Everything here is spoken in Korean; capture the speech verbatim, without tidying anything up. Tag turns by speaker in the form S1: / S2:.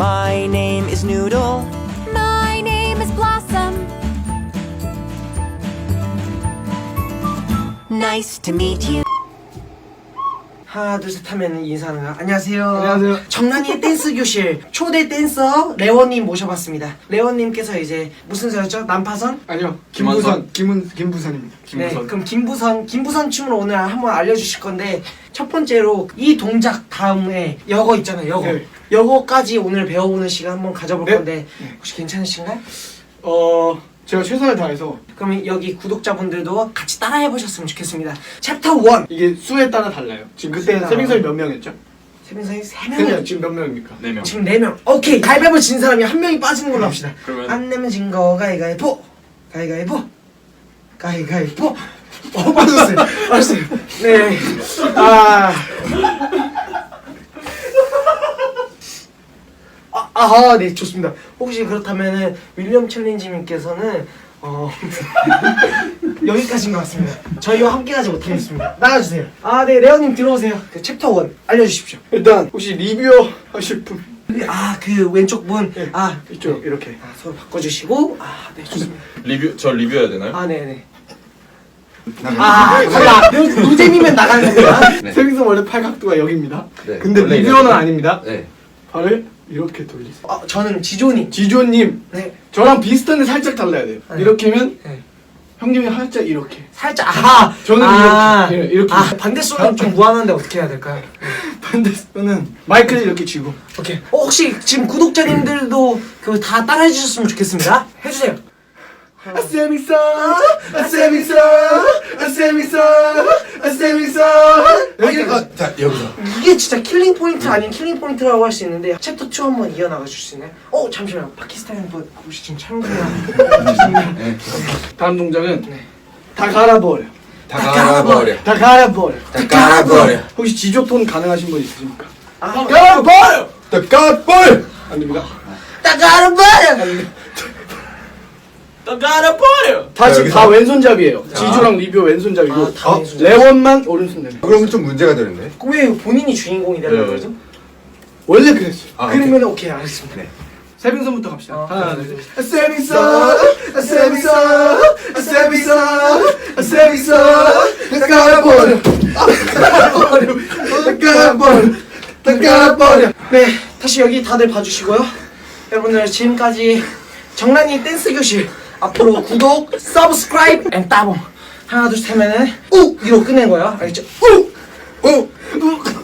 S1: My name is Noodle.
S2: My name is Blossom.
S1: Nice to meet you.
S3: 하나 둘 셋 하면 인사하는 거야. 안녕하세요.
S4: 안녕하세요.
S3: 정란이의 댄스 교실 초대 댄서 레원님 모셔봤습니다. 레원님께서 이제 무슨 사였죠? 난파선?
S4: 아니요, 김부선, 김은 김부선입니다.
S3: 네, 그럼 김부선, 김부선 춤을 오늘 한번 알려주실 건데 첫 번째로 이 동작 다음에 여거 있잖아요, 여거.
S4: 네.
S3: 여거까지 오늘 배워보는 시간 한번 가져볼
S4: 네.
S3: 건데 혹시 괜찮으신가요?
S4: 어, 제가 최선을 다해서
S3: 그럼 여기 구독자분들도 같이 따라해보셨으면 좋겠습니다. 챕터 원!
S4: 이게 수에 따라 달라요. 지금 그때
S3: 수에
S4: 세빙선이 몇 명이었죠?
S3: 세빈선이 세
S4: 그냥
S3: 명이
S4: 지금 몇 명입니까?
S5: 네 명.
S3: 지금 네 명. 오케이, 가위바위보 진 사람이 한 명이 빠지는 걸로 합시다.
S5: 그러면-
S3: 안 내면 진 거 가위가위보. 가위가위보. 가위가위보. 어, 빠졌어요. 알았어요. 네. 아. 아, 아, 네, 좋습니다. 혹시 그렇다면은 윌리엄 챌린지님께서는 어 여기까지인 것 같습니다. 저희와 함께하지 못하겠습니다. 나가주세요. 아, 네, 레오님 들어오세요. 그 챕터 원 알려주십시오.
S4: 일단 혹시 리뷰어 하실 분?
S3: 아, 그 왼쪽 분.
S4: 네.
S3: 아,
S4: 이쪽 이렇게.
S3: 아, 서로 바꿔주시고. 아, 네, 좋습니다.
S5: 리뷰 저 리뷰해야 되나요?
S3: 아, 네, 네. 아, 달라. 노잼이면 나가는 거야.
S5: 네.
S4: 세빙선 원래 팔각도가 여기입니다.
S5: 네.
S4: 근데
S5: 원래
S4: 리뷰어는
S5: 이렇게.
S4: 아닙니다.
S5: 네.
S4: 발을 이렇게 돌리세요.
S3: 아, 저는 지조님.
S4: 지조님,
S3: 네.
S4: 저랑 비슷한데 살짝 달라야 돼요.
S3: 네.
S4: 이렇게면
S3: 네.
S4: 형님이 살짝 이렇게.
S3: 살짝. 아,
S4: 저는
S3: 아,
S4: 이렇게. 예, 이렇게.
S3: 아, 반대손은 좀 무한한데 어떻게 해야 될까요?
S4: 반대손은 마이크를 이렇게 쥐고.
S3: 오케이. 어, 혹시 지금 구독자님들도 그 다 따라해 주셨으면 좋겠습니다. 해주세요.
S4: 아 세빙선, 아 세빙선, 아 세빙선, 아 세빙선. 여기
S5: 아, 자 여기서.
S3: 이게 진짜 킬링 포인트 아닌 킬링 포인트라고 할 수 있는데 챕터 투 한번 이어나가 주실 수 있나요? 어, 잠시만요. 파키스탄 분 혹시 지금 촬영 중이야.
S5: 네.
S4: 다음 동작은
S3: 네.
S4: 다 갈아버려.
S5: 다 갈아버려.
S4: 다 갈아버려.
S5: 다 갈아버려.
S4: 혹시 지조톤 가능하신 분 있으십니까?
S3: 아,
S4: 갈아버려.
S5: 다 갈아버려.
S4: 안 됩니다.
S3: 딱 알아봐요.
S5: 다 갈아버려.
S4: 다 지금
S5: 여기서?
S4: 다 왼손잡이에요. 지조랑 리뷰 왼손잡이고
S3: 아, 다
S4: 어?
S3: 왼손잡이.
S4: 레원만 오른손잡이.
S5: 그러면 좀 문제가 되는데.
S3: 왜 본인이 주인공이 되려고
S5: 네.
S3: 그러죠?
S4: 원래 그랬어요.
S5: 아,
S3: 그러면 오케이, 알겠습니다.
S5: 네.
S4: 세빙선부터 갑시다.
S3: 어.
S4: 하나, 둘, 셋. 아, 세빙선, 아, 세빙선, 아, 세빙선, 아, 세빙선. 다 갈아버려. 다 갈아버려. 다 갈아버려. 다 갈아버려.
S3: 네, 다시 여기 다들 봐주시고요. 여러분들 지금까지 정란이 댄스 교실 앞으로 구독, 서브스크라이브, 앤 따봉 하나 둘 셋 하면은 우! 이로 끝낸 거예요. 알겠죠? 우! 우! 우!